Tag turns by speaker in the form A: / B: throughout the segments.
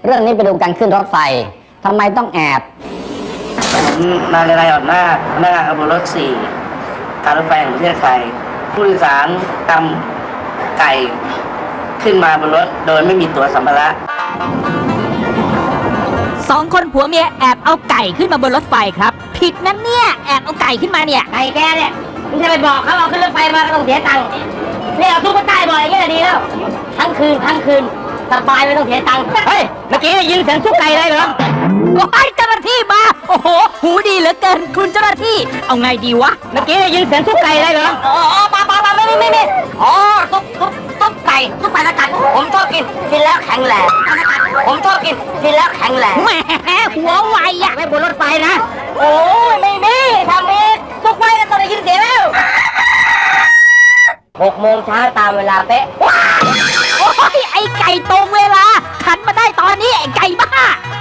A: เรื่องนี้ไปดูกันขึ้นรถไฟทำไมต้องแอบ
B: ผมนายนายอ่อนหน้าพนักงานขบวนรถ 4 การรถไฟแห่งประเทศไทยผู้โดยสารนำไก่ขึ้นมาบนรถโดยไม่มีตั๋วสัมภาระ
C: 2 คนผัวเมียแอบเอาไก่ขึ้นมาบนรถไฟครับ ผิดนั่นเนี่ยแอบเอาไก่ขึ้นมาเนี่ย
D: ไก่แกเนี่ยมึงจะไปบอกเขาเอาขึ้นรถไฟมาก็ต้องเสียตังค์เนี่ยเอาทุกคนใต้บ่อยอย่างนี้ดีแล้วทั้งคืนสบายไม่ต้องเสียตังค์เฮ้ยเมื่อกี้ได้ยินเสียงซุกไก่ได้เหรอ
C: โอ้ยเจ้าหน้าที่มาโอ้โหหูดีเหลือเกินคุณเจ้าหน้าที่เอาไงดีวะ
D: เมื่อกี้ได้ยินเสียงซุกไก่ได้เหรออ๋อปลาไม่อ๋อซุปไก่สกัดผมชอบกินแล้วแข็งแรงผมชอบกินแล้วแข็งแรง
C: แหมหัวไวอะ
D: ไม่บนรถไฟนะโอ้ยไม่มีทำเองซุกไก่ก็ต้องได้ยินเสียงแล้ว6 โมงเช้าตามเวลาเป๊ะ
C: โอ้ยไอไก่ตรงเวลาขันมาได้ตอนนี้ไอไก่บ้า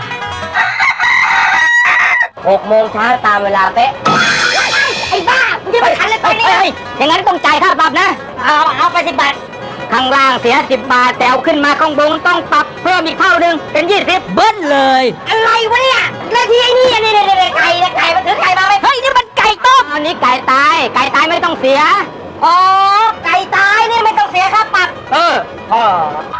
D: 6 โมงเช้าตามเวลาเป๊ะไอ้บ้ามึงจะไปขันเลยตอนนี้อย่างนั้นต้องจ่ายค่าปรับนะเอาไป10 บาทข้างล่างเสีย10 บาทแต่เอาขึ้นมาข้างบนต้องปรับเพิ่มอีกเท่านึงเป็น20
C: เบิ้ลเลย
D: อะไรวะเนี่ยแล้วที่ไอ้นี่ไก่มันถือไก่มาไหม
C: เฮ้ยนี่มันไก่ต้ม
D: อันนี้ไก่ตายไม่ต้องเสียอ๋อไก่ตายนี่ไม่ต้องเสียค่าปรับอ๋อ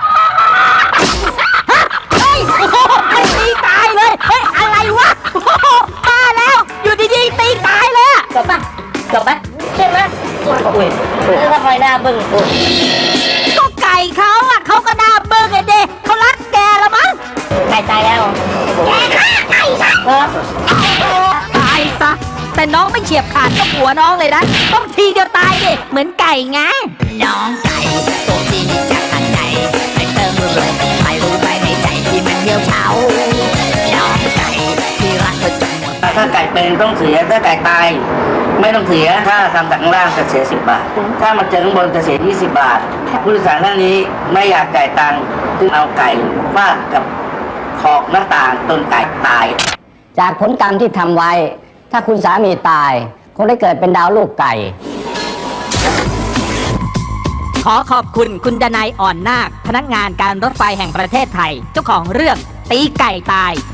C: เฮ้ยโอ้โหมันตีตายเลยเฮ้ยอะไรวะโอ้โหมาแล้วอยู่ดีๆตีตายเลยอะ
D: จบปะใช่ไหมอุ้ยแล้วทำไมหน้าบึ้ง
C: ก็ไก่เขาอะเขาก็น่าเบิ่งไอเด็กเขารักแกละมั้ง
D: ไก่ตายแล้วแกฆ่าไก่ซะ
C: ตายซะแต่น้องไม่เฉียบขาดกับหัวน้องเลยนะต้องทีเดียวตายดิเหมือนไก่ไง
E: น้องไก่ตัวที่จากข้างในไม่เติมเลยไม่รู้ไปในใจที่มันเหี่ยวเฉาน้องไก่ที่รักเธอจนหมด
B: ถ้าไก่เป็นต้องเสียถ้าไก่ตายไม่ต้องเสียถ้าทำจากข้างล่างจะเสีย10 บาทถ้ามาเจอข้างบนจะเสีย20 บาทผู้โดยสารท่านนี้ไม่อยากจ่ายตังค์จึงเอาไก่ฟาดกับขอบหน้าต่างจนไก่ตาย
A: จากผลกรรมที่ทำไว้ ถ้าคุณสามีตายคงได้เกิดเป็นดาวลูกไก่
C: ขอขอบคุณคุณดนัยอ่อนนาคพนักงานการรถไฟแห่งประเทศไทย เจ้าของเรื่องตีไก่ตาย